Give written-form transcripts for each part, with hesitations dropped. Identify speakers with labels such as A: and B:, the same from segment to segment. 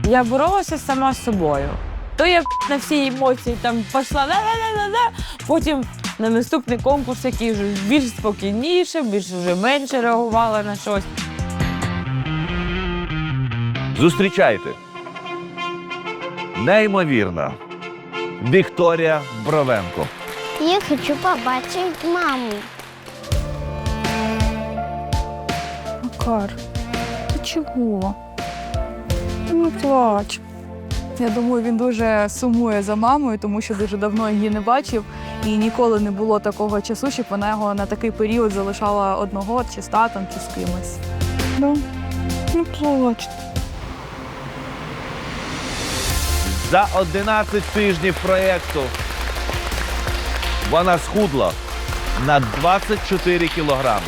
A: Я боролася сама з собою. То я на всі емоції там пішла, потім на наступний конкурс, який вже більш спокійніше, вже менше реагувала на щось.
B: Зустрічайте. Неймовірна Вікторія Бровенко.
C: Я хочу побачити маму.
D: Макар, ти чого? Не плач. Я думаю, він дуже сумує за мамою, тому що дуже давно її не бачив. І ніколи не було такого часу, щоб вона його на такий період залишала одного, чи з татом, чи з кимось. Ну, не плач.
B: За 11 тижнів проєкту вона схудла на 24 кілограми.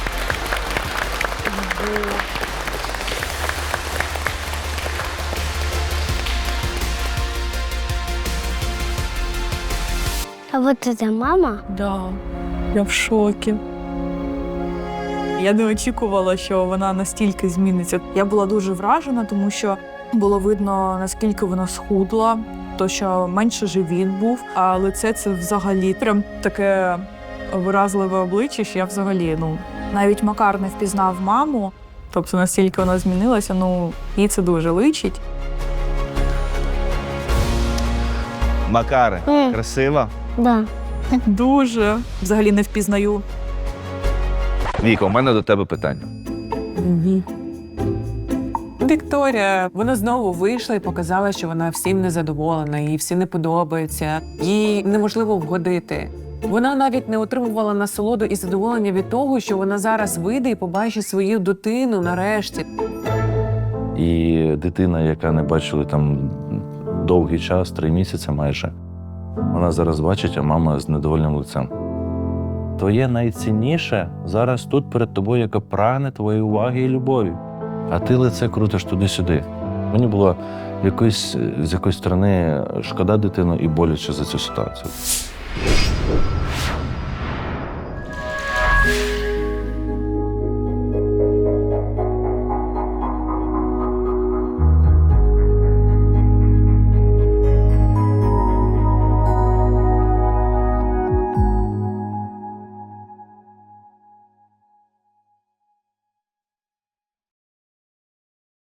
C: А вот это мама?
D: Да, я в шокі. Я не очікувала, що вона настільки зміниться. Я була дуже вражена, тому що було видно, наскільки вона схудла, то що менше живіт був, а лице це взагалі прям таке виразливе обличчя, що я взагалі, навіть Макар не впізнав маму, тобто настільки вона змінилася, їй це дуже личить.
B: Макаре, красива?
C: Да.
D: Дуже. Взагалі не впізнаю.
B: Віка, у мене до тебе питання.
E: Вікторія, вона знову вийшла і показала, що вона всім незадоволена, їй всі не подобається, їй неможливо вгодити. Вона навіть не отримувала насолоду і задоволення від того, що вона зараз вийде і побачить свою дитину нарешті.
F: І дитина, яка не бачили там довгий час, 3 місяці майже, вона зараз бачить, а мама з недовольним лицем. Твоє найцінніше зараз тут перед тобою, яка прагне твоєї уваги і любові. А ти лице крутиш туди-сюди. Мені було з якоїсь сторони шкода дитину і боляче за цю ситуацію.